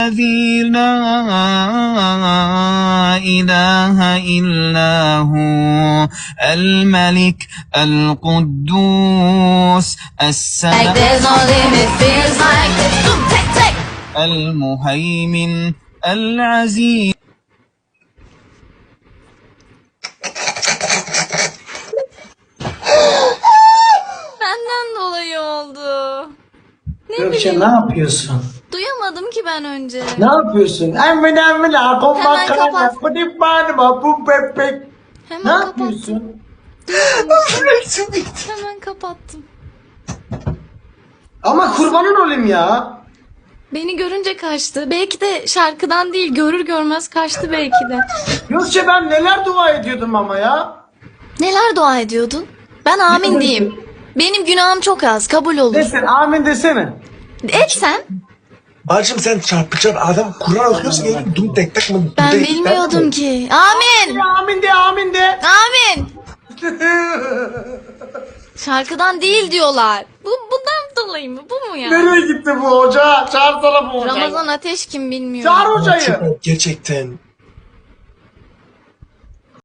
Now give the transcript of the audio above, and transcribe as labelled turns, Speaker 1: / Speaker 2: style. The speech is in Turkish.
Speaker 1: الذي لا إله إلا هو الملك القدوس السلام المهيمن العزيز.
Speaker 2: Benden dolayı oldu.
Speaker 3: Gökçe ne yapıyorsun?
Speaker 2: Duyamadım ki ben önce.
Speaker 3: Ne yapıyorsun? Hemen
Speaker 2: kapat.
Speaker 3: bu bebek.
Speaker 2: Hemen
Speaker 3: Ne
Speaker 2: kapattım.
Speaker 3: yapıyorsun?
Speaker 2: Hemen kapattım.
Speaker 3: Ama kurbanın olayım ya.
Speaker 2: Beni görünce kaçtı. Belki de şarkıdan değil, görür görmez kaçtı belki de.
Speaker 3: Gökçe ben neler dua ediyordum ama ya.
Speaker 2: Neler dua ediyordun? Ben amin diyeyim. Benim günahım çok az, kabul olur.
Speaker 3: Desen amin desene.
Speaker 2: Et sen.
Speaker 4: Bacım sen çarpıcı adam Kur'an okuyorsun ya dum tek tek mi?
Speaker 2: Ben bilmiyordum ki. Amin.
Speaker 3: Amin de amin de.
Speaker 2: Amin. Şarkıdan değil diyorlar. Bundan dolayı mı? Bu mu ya?
Speaker 3: Nereye gitti bu hoca? Çağırsana bu hocayı.
Speaker 2: Ramazan Ateş kim bilmiyor.
Speaker 3: Çağır hocayı.
Speaker 4: Gerçekten